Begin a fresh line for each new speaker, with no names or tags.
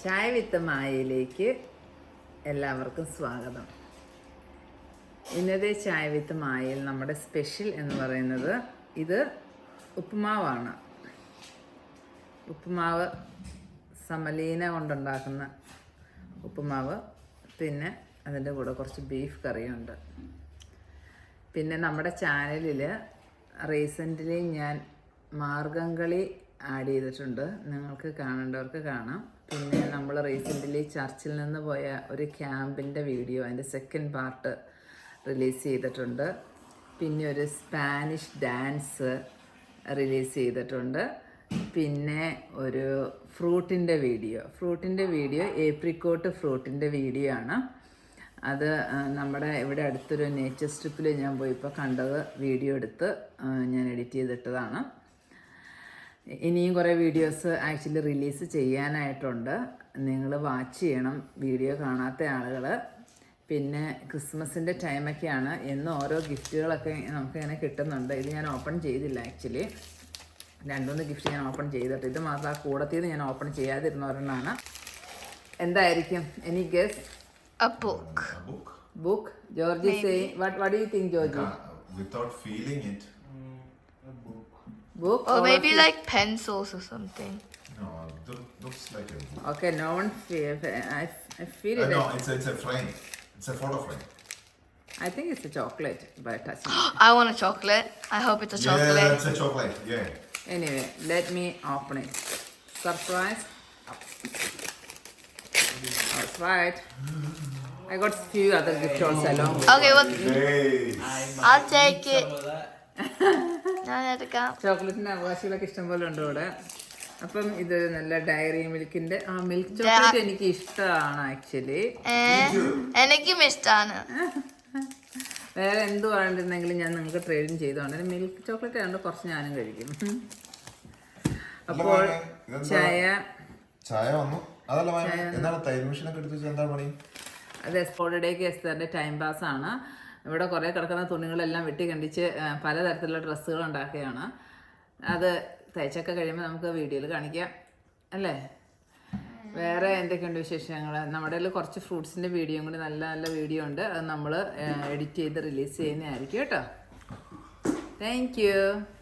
ചായ വിത്ത് മായയിലേക്ക് എല്ലാവർക്കും സ്വാഗതം. ഇന്നത്തെ ചായ വിത്ത് മായയിൽ നമ്മുടെ സ്പെഷ്യൽ എന്ന് പറയുന്നത് ഇത് ഉപ്പുമാവാണ്. ഉപ്പുമാവ് സമലീന കൊണ്ടുണ്ടാക്കുന്ന ഉപ്പുമാവ്, പിന്നെ അതിൻ്റെ കൂടെ കുറച്ച് ബീഫ് കറിയുണ്ട്. പിന്നെ നമ്മുടെ ചാനലിൽ റീസെൻ്റ്ലി ഞാൻ മാർഗംകളി ആഡ് ചെയ്തിട്ടുണ്ട്, നിങ്ങൾക്ക് കാണേണ്ടവർക്ക് കാണാം. പിന്നെ നമ്മൾ റീസെൻ്റ്ലി ചർച്ചിൽ നിന്ന് പോയ ഒരു ക്യാമ്പിൻ്റെ വീഡിയോ, അതിൻ്റെ സെക്കൻഡ് പാർട്ട് റിലീസ് ചെയ്തിട്ടുണ്ട്. പിന്നെ ഒരു സ്പാനിഷ് ഡാൻസ് റിലീസ് ചെയ്തിട്ടുണ്ട്. പിന്നെ ഒരു ഫ്രൂട്ടിൻ്റെ വീഡിയോ ഏപ്രിക്കോട്ട് ഫ്രൂട്ടിൻ്റെ വീഡിയോ ആണ്. അത് നമ്മുടെ ഇവിടെ അടുത്തൊരു നേച്ചർ സ്ട്രിപ്പിൽ ഞാൻ പോയിപ്പോൾ കണ്ടത്, വീഡിയോ എടുത്ത് ഞാൻ എഡിറ്റ് ചെയ്തിട്ടതാണ്. ഇനിയും കുറേ വീഡിയോസ് ആക്ച്വലി റിലീസ് ചെയ്യാനായിട്ടുണ്ട്. നിങ്ങൾ വാച്ച് ചെയ്യണം വീഡിയോ കാണാത്ത ആളുകൾ. പിന്നെ ക്രിസ്മസിൻ്റെ ടൈമൊക്കെയാണ്, എന്നും ഓരോ ഗിഫ്റ്റുകളൊക്കെ നമുക്കിങ്ങനെ കിട്ടുന്നുണ്ട്. ഇത് ഞാൻ ഓപ്പൺ ചെയ്തില്ല ആക്ച്വലി, 2-3 ഗിഫ്റ്റ് ഞാൻ ഓപ്പൺ ചെയ്തിട്ട്, ഇത് മാത്രം ആ കൂടത്തിൽ ഞാൻ ഓപ്പൺ ചെയ്യാതിരുന്ന ഒരെണ്ണമാണ്. എന്തായിരിക്കും? Any guess?
A book.
Book? Georgie say, what do you think, Georgie?
Without feeling it.
A book.
Book?
Or maybe like pencils or something.
No, it looks like a book.
Okay, no one I feel it.
No, it's a frame. It's a photo frame.
I think it's a chocolate by touching.
I want a chocolate. I hope it's a chocolate.
Yeah, it's a chocolate. Yeah.
Anyway, let me open it. Surprise. That's right. I got few other gifts also along with
Okay, well,
Hey.
I'll take it.
Some of that.
ഞാൻ എടുക്കാം.
ചോക്ലേറ്റിൻ്റെ അവകാശികളൊക്കെ ഇഷ്ടംപോലെ ഉണ്ട് ഇവിടെ. അപ്പം ഇത് നല്ല diary മിൽക്കിൻ്റെ milk chocolate എനിക്ക് ഇഷ്ടമാണ് ആക്ച്വലി.
എനിക്കും ഇഷ്ടമാണ്.
വേറെ എന്ത് വേണ്ടിരുന്നെങ്കിലും ഞാൻ നിങ്ങൾക്ക് ട്രേഡിങ് ചെയ്തോണ്ട് മിൽക്ക് ചോക്ലേറ്റ് ആയതുകൊണ്ട് കുറച്ച് ഞാനും കഴിക്കും. അപ്പോൾ
ചായ വന്നു. അതല്ല, എന്താണ് തൈര് മെഷീനൊക്കെ എടുത്ത് വെച്ചാൽ എന്താ പണി?
അത് ഹോളിഡേക്ക് എസ്തറിൻ്റെ ടൈം പാസ്സാണ്. ഇവിടെ കുറേ കിടക്കുന്ന തുണികളെല്ലാം വെട്ടി കണ്ടിച്ച് പലതരത്തിലുള്ള ഡ്രസ്സുകൾ ഉണ്ടാക്കുകയാണ്. അത് തയ്ച്ചൊക്കെ കഴിയുമ്പോൾ നമുക്ക് വീഡിയോയിൽ കാണിക്കാം അല്ലേ? വേറെ എന്തൊക്കെയുണ്ട് വിശേഷങ്ങൾ? നമ്മുടെ കയ്യിൽ കുറച്ച് ഫ്രൂട്ട്സിൻ്റെ വീഡിയോയും കൂടി നല്ല നല്ല വീഡിയോ ഉണ്ട്, അത് നമ്മൾ എഡിറ്റ് ചെയ്ത് റിലീസ് ചെയ്യുന്നതായിരിക്കും കേട്ടോ. Thank U.